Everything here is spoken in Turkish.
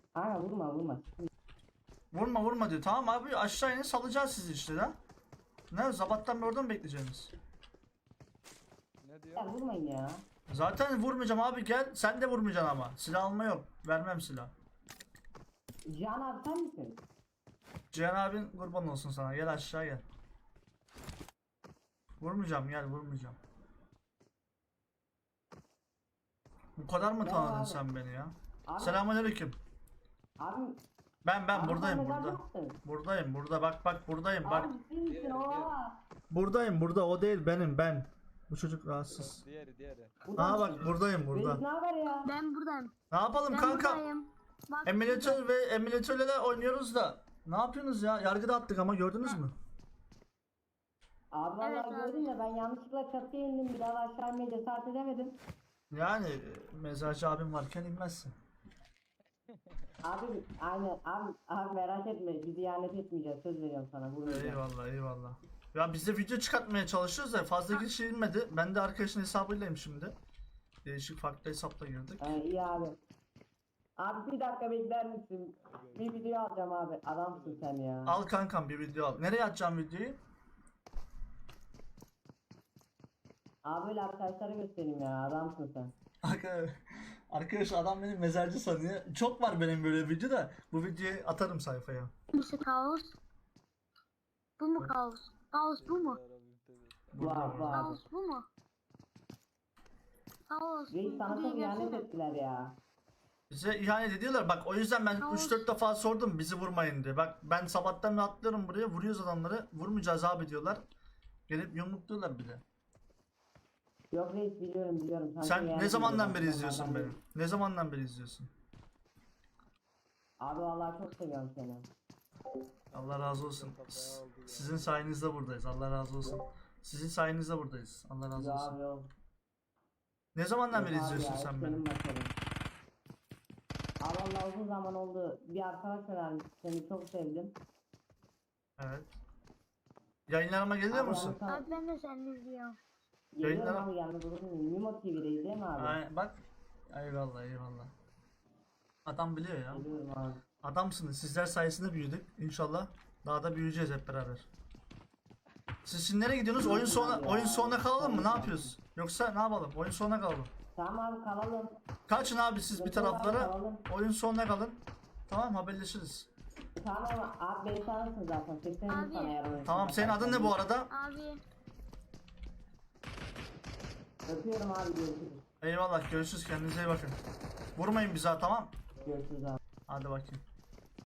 Aynen vurma. Vurma vurma diyor. Tamam abi aşağı inin salacağız sizi işte lan. Ne sabahtan beri orada mı bekleyeceksiniz? Ne diyor? Ya vurmayın ya. Zaten vurmayacağım abi gel. Sen de vurmayacaksın ama. Silah alma yok. Vermem silah. Cihan abi sen misin? Cihan abin kurban olsun sana. Gel aşağı gel. Vurmayacağım gel vurmayacağım. Bu kadar mı Ya tanıdın abi. sen beni ya? Abi, Selamünaleyküm. Abi, Ben abi buradayım sen neden burada. yaptın? Buradayım burada bak buradayım bak. Abi ciddi misin oha? Buradayım burada o değil benim ben. Bu çocuk rahatsız. Diğeri. Aa bak buradayım Reis burada. ne haber ya? Ben buradayım. Ne yapalım Ben kanka? buradayım. Bak, Emülatör ve emülatörle oynuyoruz da. Ne yapıyorsunuz ya? Yargıda attık ama gördünüz mü? Abi vallahi Evet abi. gördüm de ben yanlışlıkla çatıya indim. Bir daha aşağı inmeye cesaret edemedim. Yani mezarcı abim varken inmezsin. Abi aynen abi merak etme. Bizi ihanet etmeyeceğiz. Söz veriyorum sana. Vurmayacağım. Eyvallah. Ya biz de video çıkartmaya çalışıyoruz da fazla kişi inmedi. Ben de arkadaşın hesabıylayım şimdi. Değişik farklı hesapla girdik. İyi abi. Abi bir dakika bekler misin? Bir video alacağım abi. Adamsın sen ya. Al kankam bir video al. Nereye atacağım videoyu? Abi böyle arkadaşlara göstereyim ya. Adamsın sen. Arkadaş adam beni mezarcı sanıyor. Çok var benim böyle video da. Bu videoyu atarım sayfaya. kimisi kaos. Bu mu kaos? Kaos bu mu? Var. Kaos bu mu? Kaos. Reis sana buraya çok ihanet gelsene. ettiler ya. Bize ihanet ediyorlar. Bak o yüzden ben Tamam. 3-4 defa sordum bizi vurmayın diye. Bak ben sabahtan beri atlıyorum buraya. Vuruyoruz adamları. Vurmayacağız abi diyorlar. Gelip yumrukluyorlar bir de. Yok reis biliyorum. Sana çok Sen ihanet ne zamandan ediyorlar. beri izliyorsun Onlardan beni? biri. Ne zamandan beri izliyorsun? Abi vallahi çok seviyorum seni. Allah razı olsun. Sizin sayenizde buradayız. Allah razı olsun. Sizin sayenizde buradayız. Allah razı Ya olsun. abi yok. Ne zamandan beri Yok abi izliyorsun ya, sen hep beni? senin başarın. Abi vallahi uzun zaman oldu. Bir arkadaş önermiş. Seni çok sevdim. Evet. Yayınlarıma geliyor Abi musun? ben sana- Abi ben de seni izliyorum. Geliyorum Yayınlara- abi gelmez olur muyum? Mimo TV'deyiz değil mi abi? Ay, bak. Eyvallah. Adam biliyor ya. Geliyorum abi. Adamsınız. Sizler sayesinde büyüdük. İnşallah daha da büyüyeceğiz hep beraber. Siz şimdi nereye gidiyorsunuz? Oyun sonuna kalalım mı? Ne yapıyoruz? Yoksa ne yapalım? Oyun sonuna kalalım. Tamam abi kalalım. Kaçın abi siz bir taraflara. Kalalım. Oyun sonuna kalın. Tamam haberleşiriz. Tamam abi beni tanırsın zaten. Seslenirim Abi. sana eğer oyun. Tamam senin adın ne bu arada? Abi. Öpüyorum abi görüşürüz. Eyvallah görüşürüz kendinize iyi bakın. Vurmayın bize ha, tamam. Görüşürüz abi. Hadi bakayım.